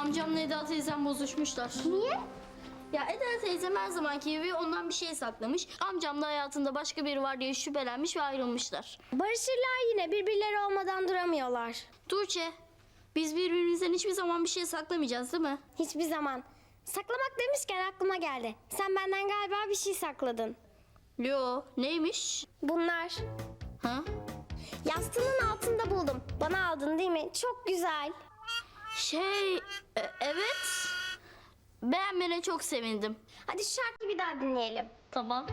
Amcamla Eda teyzem bozuşmuşlar. Niye? Ya Eda teyzem her zamanki gibi ondan bir şey saklamış. Amcam da hayatında başka biri var diye şüphelenmiş ve ayrılmışlar. Barışırlar yine, birbirleri olmadan duramıyorlar. Tuğçe, biz birbirimizden hiçbir zaman bir şey saklamayacağız değil mi? Hiçbir zaman. Saklamak demişken aklıma geldi. Sen benden galiba bir şey sakladın. Yo, neymiş? Bunlar. Ha? Yastığının altında buldum. Bana aldın değil mi? Çok güzel. Evet. Beğenmene çok sevindim. Hadi şu şarkıyı bir daha dinleyelim. Tamam.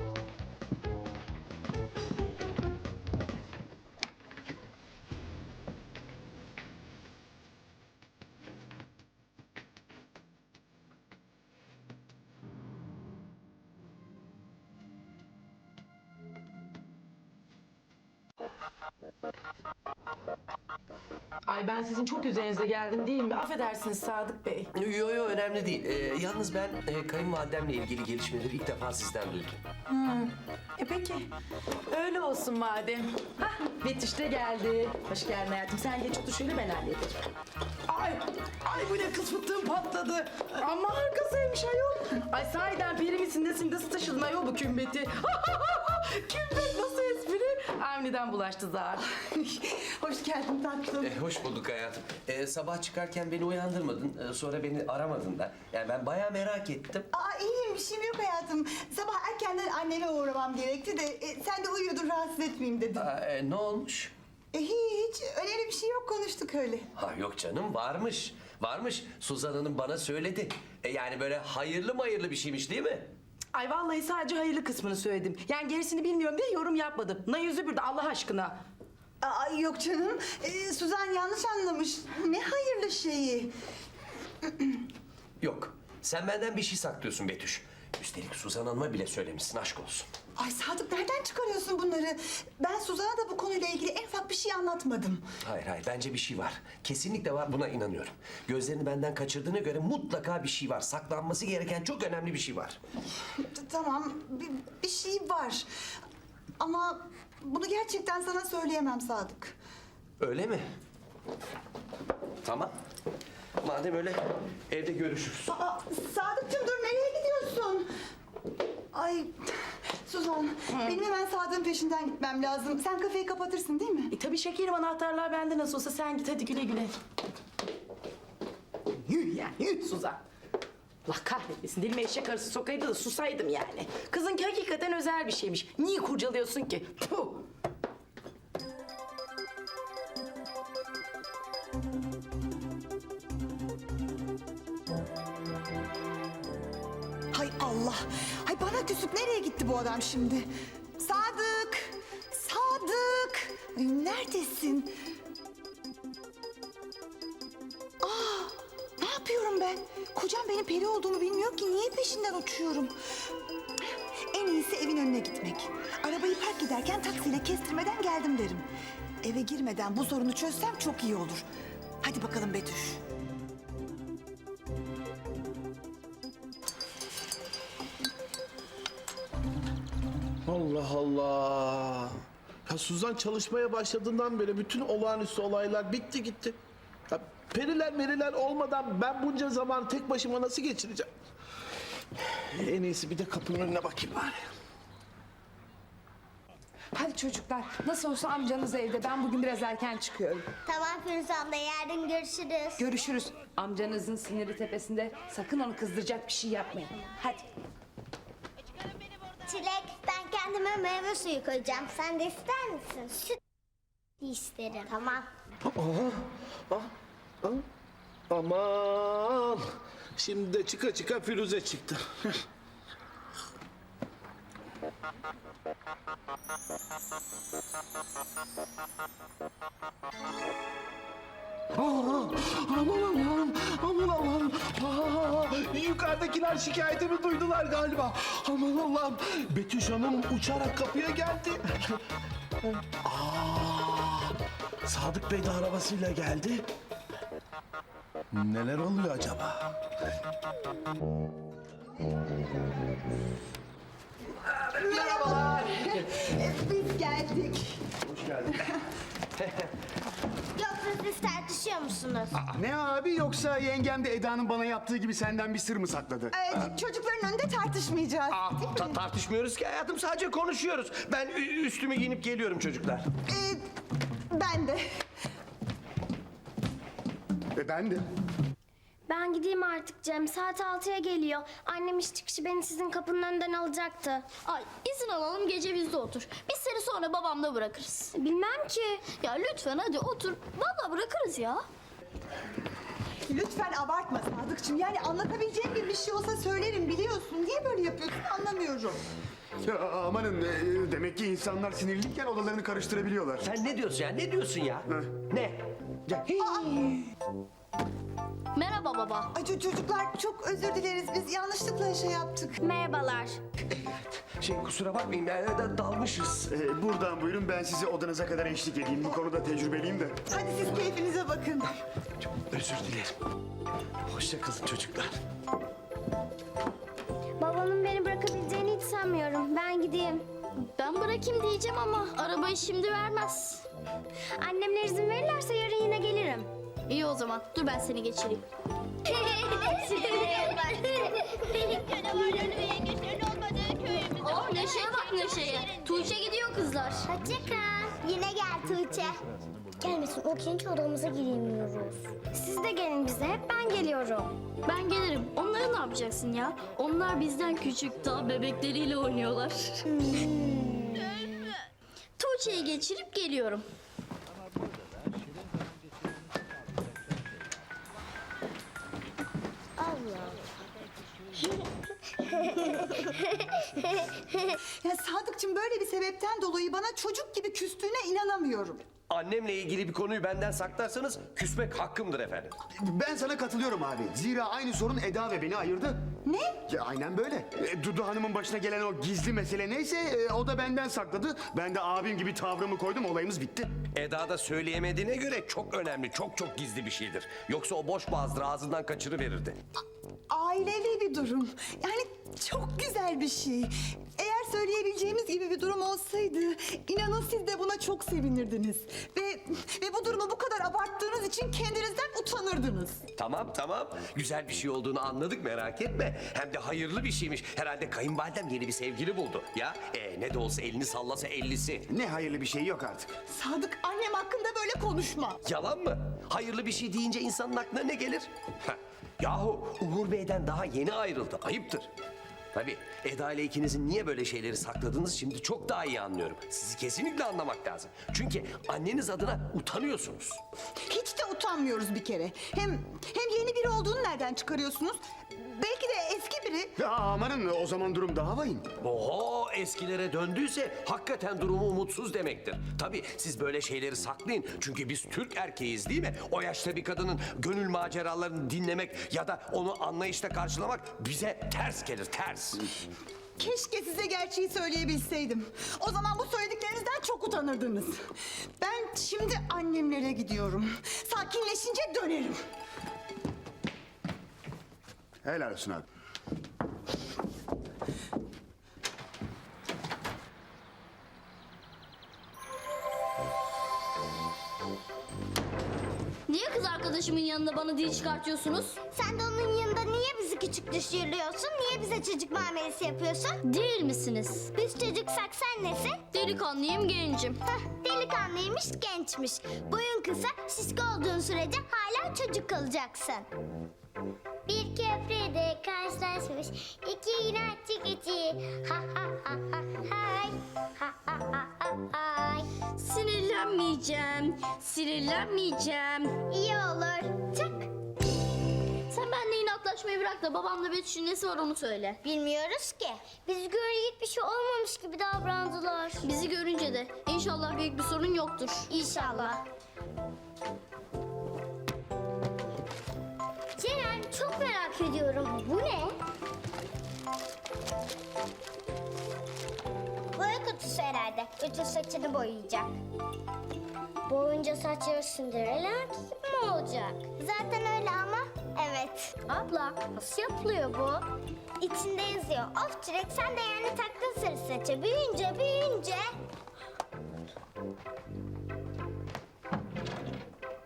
Ay ben sizin çok üzerinize geldim değil mi? Affedersiniz Sadık Bey. Yo yo önemli değil. Yalnız ben kayınvalidemle ilgili gelişmeleri ilk defa sizden duydum. Peki. Öyle olsun madem. Hah, Betüş de geldi. Hoş geldin hayatım. Sen geç otur şöyle ben hallederim. Ay bu ne kız fıtığım patladı. Ama harikasıymış ayol. Ay sahiden peri misin nesin nasıl taşıdın ayol bu kümbeti? Kümbet nasıl espri? Avni'den bulaştı zaten. Hoş geldin tatlım. Hoş bulduk hayatım. Sabah çıkarken beni uyandırmadın. Sonra beni aramadın da. Yani ben bayağı merak ettim. İyiyim, bir şeyim yok hayatım. Sabah erkenden anneme uğramam gerekti de sen de uyuyordun, rahatsız etmeyeyim dedim. Ne olmuş? Hiç, önemli bir şey yok, konuştuk öyle. Yok canım varmış. Varmış. Suzan Hanım bana söyledi. Yani böyle hayırlı bir şeymiş değil mi? Ay vallahi sadece hayırlı kısmını söyledim. Yani gerisini bilmiyorum diye yorum yapmadım. Yüzü bir de Allah aşkına. Yok canım, Suzan yanlış anlamış. Ne hayırlı şeyi. Yok. Sen benden bir şey saklıyorsun Betüş. Üstelik Suzan Hanım'a bile söylemişsin, aşk olsun. Ay Sadık, nereden çıkarıyorsun bunları? Ben Suzan'a da bu konuyla ilgili en ufak bir şey anlatmadım. Hayır bence bir şey var. Kesinlikle var, buna inanıyorum. Gözlerini benden kaçırdığına göre mutlaka bir şey var. Saklanması gereken çok önemli bir şey var. Tamam, bir şey var. Ama bunu gerçekten sana söyleyemem Sadık. Öyle mi? Tamam. Madem öyle evde görüşürüz. Sadıkçım dur, nereye gidiyorsun? Ay Suzan, benim hemen Sadık'ın peşinden gitmem lazım. Sen kafeyi kapatırsın değil mi? Tabii şekerim, anahtarlar bende nasıl olsa. Sen git hadi güle güle. Yürü Suzan. Allah kahretmesin, dilime eşek arısı sokaydı da susaydım yani. Kızınki hakikaten özel bir şeymiş. Niye kurcalıyorsun ki? Puh! Hay Allah! Hay bana küsüp nereye gitti bu adam şimdi? Sadık! Sadık! Ay neredesin? Ne yapıyorum ben? Kocam benim peri olduğumu bilmiyor ki. Niye peşinden uçuyorum? En iyisi evin önüne gitmek. Arabayı park ederken taksiyle kestirmeden geldim derim. Eve girmeden bu sorunu çözsem çok iyi olur. Hadi bakalım Betüş. Allah Allah. Ya Suzan çalışmaya başladığından beri bütün olağanüstü olaylar bitti gitti. Ya periler olmadan ben bunca zaman tek başıma nasıl geçireceğim? En iyisi bir de kapının önüne bakayım bari. Hadi çocuklar, nasıl olsa amcanız evde. Ben bugün biraz erken çıkıyorum. Tamam Firuze abla, yarın görüşürüz. Görüşürüz. Amcanızın siniri tepesinde. Sakın onu kızdıracak bir şey yapmayın. Hadi. Çilek, ben kendime meyve suyu koyacağım. Sen de ister misin? Süt isterim. Tamam. Aman. Şimdi de çıka Firuze çıktı. Aman Allah'ım. Yukarıdakiler şikayetimi duydular galiba. Aman Allah'ım. Betüş Hanım uçarak kapıya geldi. Sadık Bey de arabasıyla geldi. Neler oluyor acaba? Merhabalar. Biz geldik. Hoş geldin. Yoksa siz tartışıyor musunuz? Ne abi, yoksa yengem de Eda'nın bana yaptığı gibi senden bir sır mı sakladı? Çocukların önünde tartışmayacağız. Tartışmıyoruz ki hayatım, sadece konuşuyoruz. Ben üstümü giyinip geliyorum çocuklar. Ben de. Ben de. Ben gideyim artık Cem. Saat 6'ya geliyor. Annem iş çıkışı beni sizin kapının önünden alacaktı. Ay izin alalım, gece bizde otur. Biz seni sonra babamla bırakırız. Bilmem ki. Ya lütfen hadi otur. Vallahi bırakırız ya. Lütfen abartma Sadıkçım. Yani anlatabileceğim bir şey olsa söylerim, biliyorsun. Niye böyle yapıyorsun anlamıyorum. Ya amanın, demek ki insanlar sinirliyken odalarını karıştırabiliyorlar. Sen ne diyorsun ya? Ne diyorsun ya? Ne? Ya, Merhaba baba. Ay çocuklar çok özür dileriz. Biz yanlışlıkla şey yaptık. Merhabalar. kusura bakmayın, dalmışız. Buradan buyurun, ben sizi odanıza kadar eşlik edeyim. Bu konuda tecrübeliyim de. Hadi siz keyfinize bakın. Özür dilerim. Hoşça kalın çocuklar. Babamın beni bırakabileceğini hiç sanmıyorum. Ben gideyim. Ben bırakayım diyeceğim ama arabayı şimdi vermez. Annemler izin verirlerse yarın yine gelirim. İyi o zaman. Dur ben seni geçireyim. Aa Neşe'ye bak Neşe'ye. Tuğçe gidiyor kızlar. Hoşça kal. Yine gel Tuğçe. Gelmesin, o kendi odamıza giremiyoruz. Siz de gelin bize, hep ben geliyorum. Ben gelirim. Onları ne yapacaksın ya? Onlar bizden küçük, daha bebekleriyle oynuyorlar. Tuğçe'yi geçirip geliyorum. Ya Sadıkçım böyle bir sebepten dolayı bana çocuk gibi küstüğüne inanamıyorum. Annemle ilgili bir konuyu benden saklarsanız küsmek hakkımdır efendim. Ben sana katılıyorum abi. Zira aynı sorun Eda ve beni ayırdı. Ne? Ya aynen böyle. Dudu Hanım'ın başına gelen o gizli mesele neyse o da benden sakladı. Ben de abim gibi tavrımı koydum, olayımız bitti. Eda da söyleyemediğine göre çok önemli, çok gizli bir şeydir. Yoksa o boş boğazdır, ağzından kaçırıverirdi. Ailevi bir durum. Yani çok güzel bir şey. Eğer söyleyebileceğimiz gibi bir durum olsaydı, inanın siz de buna çok sevinirdiniz. Ve bu durumu bu kadar abarttığınız için kendinizden utanırdınız. Tamam. Güzel bir şey olduğunu anladık, merak etme. Hem de hayırlı bir şeymiş. Herhalde kayınvalidem yeni bir sevgili buldu. Ya ne de olsa elini sallasa 50'si. Ne hayırlı bir şey yok artık. Sadık, annem hakkında böyle konuşma. Yalan mı? Hayırlı bir şey deyince insanın aklına ne gelir? Yahu Uğur Bey'den daha yeni ayrıldı. Ayıptır. Tabii Eda ile ikinizin niye böyle şeyleri sakladığınızı şimdi çok daha iyi anlıyorum. Sizi kesinlikle anlamak lazım. Çünkü anneniz adına utanıyorsunuz. Hiç de utanmıyoruz bir kere. Hem yeni biri olduğunu nereden çıkarıyorsunuz? Belki de eski biri. Ya amanın, o zaman durum daha vahim. Oho, eskilere döndüyse hakikaten durumu umutsuz demektir. Tabii siz böyle şeyleri saklayın. Çünkü biz Türk erkeğiz değil mi? O yaşta bir kadının gönül maceralarını dinlemek ya da onu anlayışla karşılamak bize ters gelir, ters. Keşke size gerçeği söyleyebilseydim. O zaman bu söylediklerinizden çok utanırdınız. Ben şimdi annemlere gidiyorum. Sakinleşince dönerim. Helal olsun abi. Niye kız arkadaşımın yanında bana dil çıkartıyorsunuz? Sen de onun yanında niye bizi küçük düşürüyorsun? Niye bize çocuk muamelesi yapıyorsun? Değil misiniz? Biz çocuksak sen nesin? Delikanlıyım, gencim. Delikanlıymış, gençmiş. Boyun kısa, şişko olduğun sürece hala çocuk kalacaksın. Bir köprüde karşılaşmış iki inatçı keçi. Ha ha ha ha hay. Ha ha ha ha hay. Sinirlenmeyeceğim. İyi olur. Çak. Sen benimle inatlaşmayı bırak da babamla Betüş'ün nesi var onu söyle. Bilmiyoruz ki. Biz görecek bir şey olmamış gibi davrandılar. Bizi görünce de inşallah büyük bir sorun yoktur. İnşallah. Ceren, çok merak ediyorum. Bu ne? Boya kutusu herhalde. Bütün saçını boyayacak. Boyunca saçları Cinderella gibi mi olacak? Zaten öyle ama. Evet. Abla, nasıl yapılıyor bu? İçinde yazıyor. Of Çilek, sen de yani taktın sarı saça. Büyüyünce.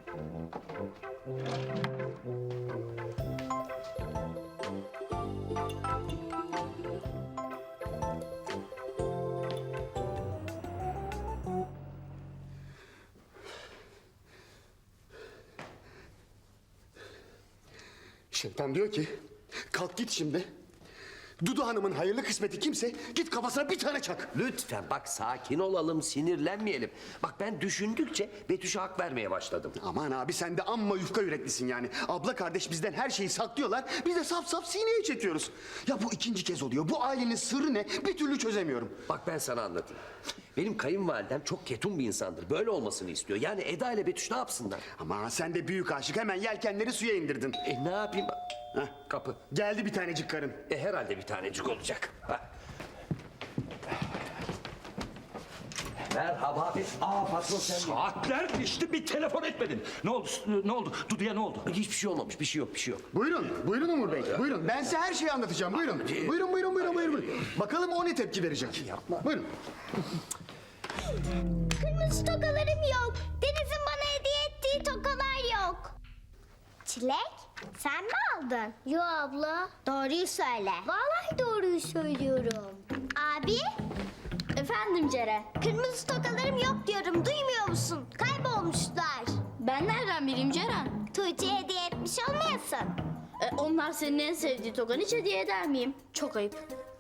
Şevdan diyor ki kalk git şimdi. Dudu Hanım'ın hayırlı kısmeti kimse git kafasına bir tane çak. Lütfen bak sakin olalım, sinirlenmeyelim. Bak ben düşündükçe Betüş'e hak vermeye başladım. Aman abi sen de amma yufka yüreklisin yani. Abla kardeş bizden her şeyi saklıyorlar. Biz de saf saf sineye çekiyoruz. Ya bu ikinci kez oluyor. Bu ailenin sırrı ne? Bir türlü çözemiyorum. Bak ben sana anlatayım. Benim kayınvalidem çok ketum bir insandır. Böyle olmasını istiyor. Yani Eda ile Betüş ne yapsınlar? Ama sen de büyük aşık hemen yelkenleri suya indirdin. Ne yapayım? Heh, Kapı. geldi bir tanecik karın. Herhalde bir tanecik olacak. Ha. Merhaba. Patron sen mi? Saatler geçti bir telefon etmedin. Ne oldu? Ne oldu? Dudu'ya ne oldu? Hiçbir şey olmamış. Bir şey yok, bir şey yok. Buyurun, buyurun Umur Bey. Buyurun, ben size her şeyi anlatacağım. Buyurun. Buyurun. Bakalım o ne tepki verecek. Yapma. Buyurun. Kırmızı tokalarım yok. Deniz'in bana hediye ettiği tokalar yok. Çilek, sen mi aldın? Yo abla. Doğruyu söyle. Vallahi doğruyu söylüyorum. Abi, Efendim Ceren. kırmızı tokalarım yok diyorum. Duymuyor musun? Kaybolmuşlar. Ben nereden bileyim Ceren? Tuğçe'ye hediye etmiş olmayasın. Onlar senin en sevdiği tokanı hiç hediye eder miyim? Çok ayıp.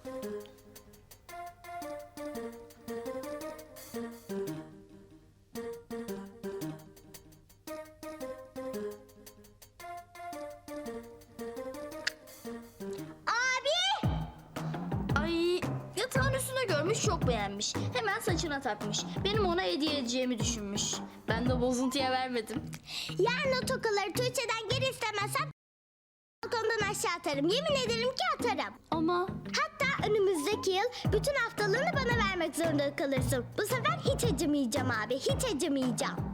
Abi! Ay yatağın üstüne görmüş çok beğenmiş. Hemen saçına takmış. Benim ona hediye edeceğimi düşünmüş. Ben de bozuntuya vermedim. Yarın o tokaları Tuğçe'den geri istemezsem balkondan aşağı atarım. Yemin ederim ki atarım. Ama Hatta önümüzdeki yıl bütün haftalığını bana vermek zorunda kalırsın. Bu sefer hiç acımayacağım abi, hiç acımayacağım.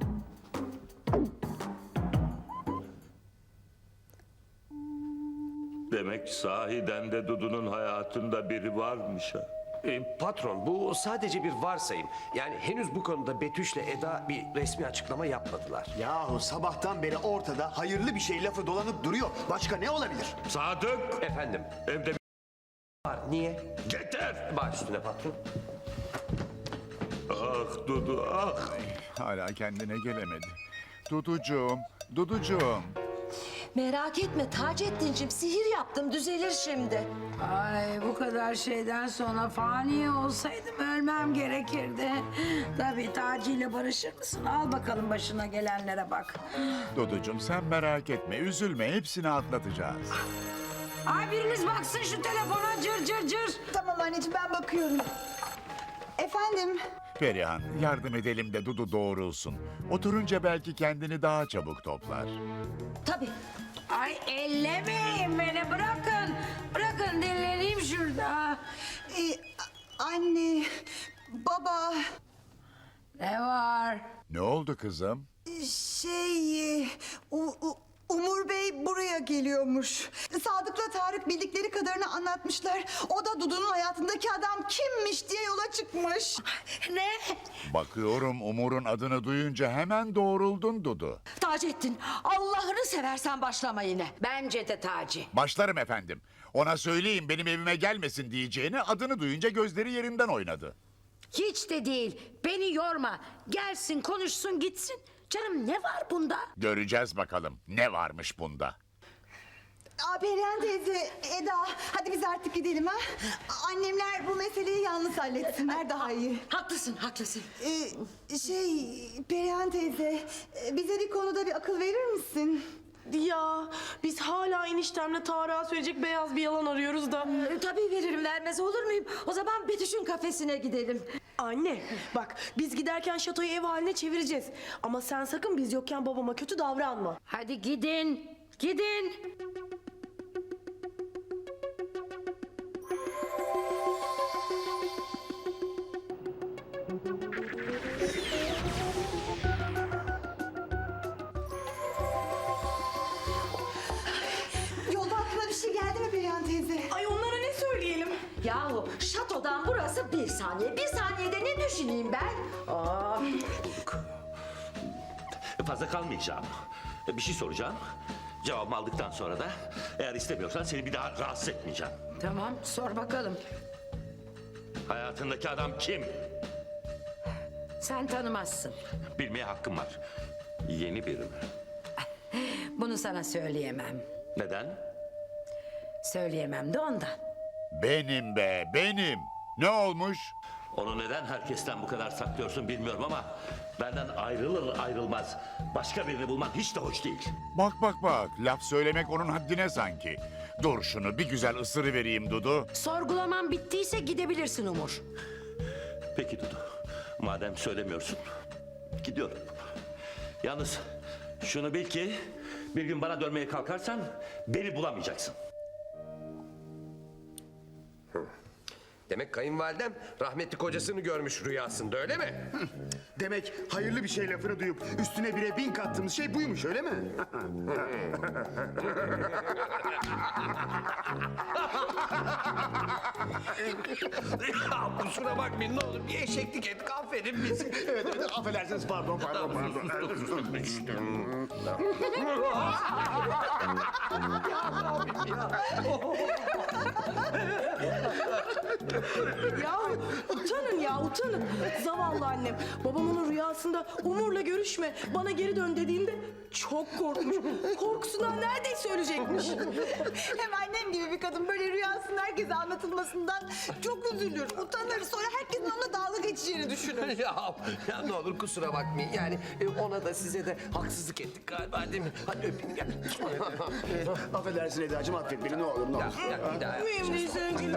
Demek sahiden de Dudu'nun hayatında biri varmış ha. Patron bu sadece bir varsayım. Yani henüz bu konuda Betüş'le Eda bir resmi açıklama yapmadılar. Yahu sabahtan beri ortada hayırlı bir şey lafı dolanıp duruyor. Başka ne olabilir? Sadık! Efendim Evde bir var. Niye? yeter! Baş üstüne patron. Ah Dudu ah! Hala kendine gelemedi. Duducuğum. Merak etme Taceddin'cim, sihir yaptım, düzelir şimdi. Ay bu kadar şeyden sonra fani olsaydım ölmem gerekirdi. Tabii Taci ile barışır mısın? Al bakalım başına gelenlere bak. Duducuğum sen merak etme, üzülme, hepsini atlatacağız. Ay biriniz baksın şu telefona cır cır cır. Tamam anneciğim ben bakıyorum. Efendim? Perihan, yardım edelim de Dudu doğrulsun. Oturunca belki kendini daha çabuk toplar. Tabii. Ay ellemeyin beni bırakın. Bırakın dinleneyim şurada. Anne, baba, Ne var? Ne oldu kızım? Umur Bey buraya geliyormuş. Sadık'la Tarık bildikleri kadarını anlatmışlar. O da Dudu'nun hayatındaki adam kimmiş diye yola çıkmış. Ne? Bakıyorum Umur'un adını duyunca hemen doğruldun Dudu. Taceddin, Allah'ını seversen başlama yine. Bence de Taci. Başlarım efendim. Ona söyleyin benim evime gelmesin diyeceğini adını duyunca gözleri yerinden oynadı. Hiç de değil. Beni yorma. Gelsin konuşsun gitsin. Canım ne var bunda? Göreceğiz bakalım ne varmış bunda. Perihan teyze, Eda, hadi biz artık gidelim ha. Annemler bu meseleyi yalnız halletsinler daha iyi. Haklısın. Perihan teyze, bize bir konuda bir akıl verir misin? Ya biz hala eniştemle Tarık'a söyleyecek beyaz bir yalan arıyoruz da. Tabii veririm, vermez olur muyum? O zaman Betüş'ün kafesine gidelim. Anne bak biz giderken şatoyu ev haline çevireceğiz. Ama sen sakın biz yokken babama kötü davranma. Hadi gidin. Gidin. Yolda aklına bir şey geldi mi Perihan teyze? Ay onlara ne söyleyelim? Yahu şatodan burası 1 saniye. 1 saniyede ne düşüneyim ben? Fazla kalmayacağım. Bir şey soracağım. Cevabımı aldıktan sonra da eğer istemiyorsan seni bir daha rahatsız etmeyeceğim. Tamam, sor bakalım. Hayatındaki adam kim? Sen tanımazsın. Bilmeye hakkım var. Yeni biri mi? Bunu sana söyleyemem. Neden? Söyleyemem de ondan. Benim be, benim. Ne olmuş? Onu neden herkesten bu kadar saklıyorsun bilmiyorum ama benden ayrılır ayrılmaz başka birini bulman hiç de hoş değil. Bak bak bak, laf söylemek onun haddine sanki. Dur şunu bir güzel ısırıvereyim Dudu. Sorgulaman bittiyse gidebilirsin Umur. Peki Dudu, madem söylemiyorsun gidiyorum. Yalnız şunu bil ki bir gün bana dönmeye kalkarsan beni bulamayacaksın. Demek kayınvalidem rahmetli kocasını görmüş rüyasında, öyle mi? Demek hayırlı bir şey lafını duyup üstüne 1'e 1000 kattığımız şey buymuş öyle mi? Ya kusura bakmayın, ne olur bir eşeklik ettik, affedin bizi. Evet affedersiniz pardon. Ya utanın ya utanın. Zavallı annem. Babam onun rüyasında Umur'la görüşme bana geri dön dediğinde çok korkmuş. Korkusundan neredeyse ölecekmiş. Hem annem gibi bir kadın böyle rüyasının herkese anlatılmasından çok üzülür, utanır. Sonra herkesin onunla dalga geçeceğini düşünür. ya ne olur kusura bakmayın. Yani ona da size de haksızlık ettik galiba, değil mi? Hadi öpeyim gel. Affedersin Eda'cığım affet beni ne olur ne olur. Ya, bir daha yap. Mühim değil sevgilim.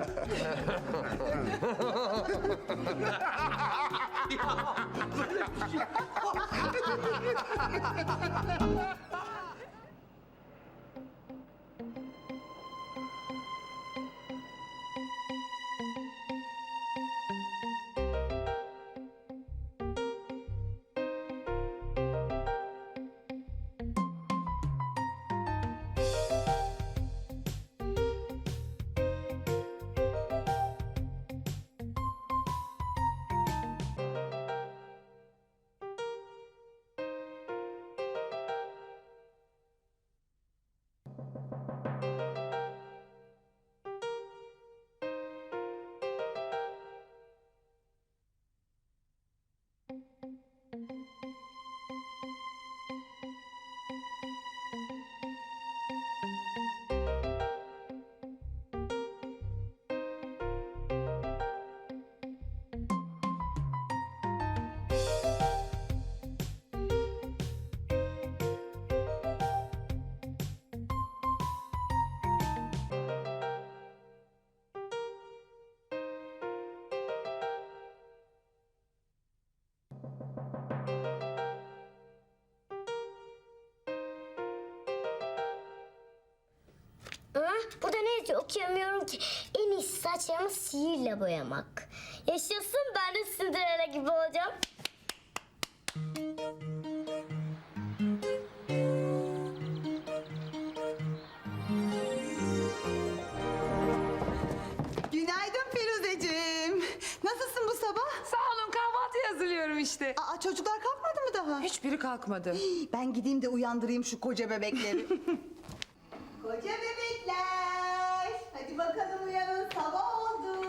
Burada ne yazıyor okuyamıyorum ki. En iyisi saçlarımı sihirle boyamak. Yaşasın, ben de Cinderella gibi olacağım. Günaydın Firuzeciğim. Nasılsın bu sabah? Sağ olun, kahvaltı hazırlıyorum işte. Aa, çocuklar kalkmadı mı daha? Hiçbiri kalkmadı. Ben gideyim de uyandırayım şu koca bebekleri. Koca bebekler. Hadi bakalım uyanın, sabah oldu.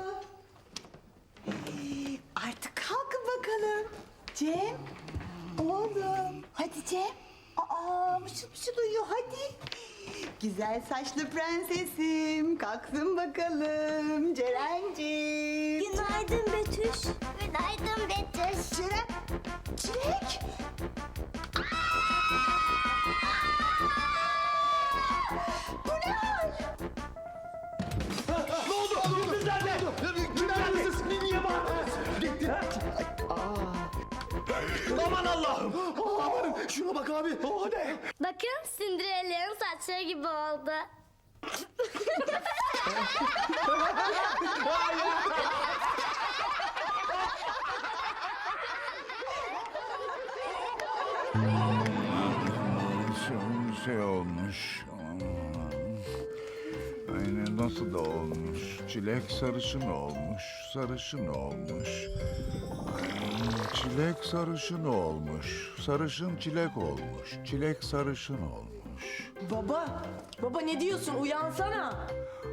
Artık kalkın bakalım. Cem, oğlum. Hadi Cem. Aa, mışıl mışıl uyuyor, hadi. Güzel saçlı prensesim. Kalksın bakalım Ceren'ciğim. Günaydın Betüş. Günaydın Betüş. Ceren, Çilek. Bu ne hal? Ne oldu? Kız nerede? Neredesiniz? Niye bağırdınız? Gitti. Aman Allah'ım. Aman şuna bak abi. O ne? Bakın Cinderella'nın saçları gibi oldu. Şey olmuş. Aynen nasıl da olmuş. Çilek sarışın olmuş. Sarışın olmuş. Çilek sarışın olmuş. Sarışın çilek olmuş. Çilek sarışın olmuş. Baba ne diyorsun? Uyansana.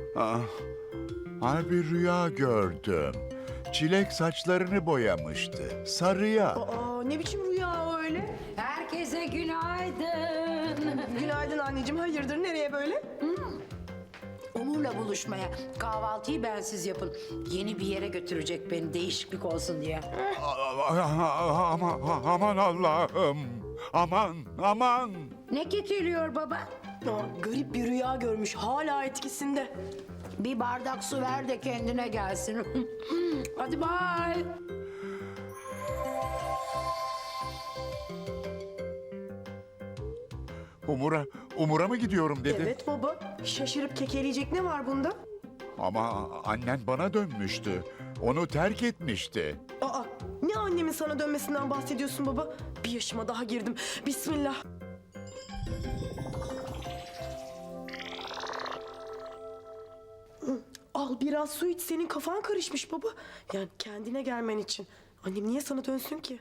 Ay bir rüya gördüm. Çilek saçlarını boyamıştı. Sarıya. Aa, ne biçim rüya o öyle? Herkese günaydın. Günaydın anneciğim. Hayırdır, nereye böyle? Umur'la buluşmaya. Kahvaltıyı bensiz yapın. Yeni bir yere götürecek beni, değişiklik olsun diye. Aman Allah'ım. Aman. Ne getiriyor baba? Aa, garip bir rüya görmüş. Hala etkisinde. Bir bardak su ver de kendine gelsin. Hadi bay. Umur'a mı gidiyorum dedi. Evet baba. Şaşırıp kekeleyecek ne var bunda? Ama annen bana dönmüştü. Onu terk etmişti. Aa, ne annemin sana dönmesinden bahsediyorsun baba? Bir yaşıma daha girdim. Bismillah. Al biraz su iç, senin kafan karışmış baba. Yani kendine gelmen için. Annem niye sana dönsün ki?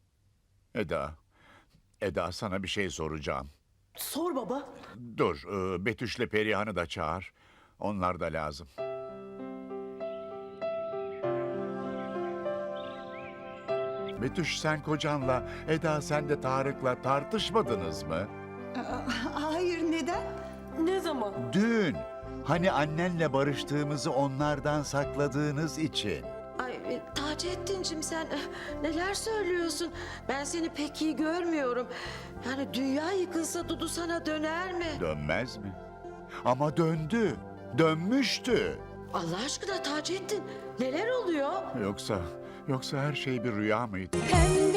Eda sana bir şey soracağım. Sor baba. Dur, Betüş'le Perihan'ı da çağır. Onlar da lazım. Betüş sen kocanla, Eda sen de Tarık'la tartışmadınız mı? Hayır, neden? Ne zaman? Dün. Hani annenle barıştığımızı onlardan sakladığınız için. Ay Taceddin'cim sen neler söylüyorsun? Ben seni pek iyi görmüyorum. Yani dünya yıkılsa Dudu sana döner mi? Dönmez mi? Ama döndü. Dönmüştü. Allah aşkına Taceddin neler oluyor? Yoksa her şey bir rüya mıydı? Pembe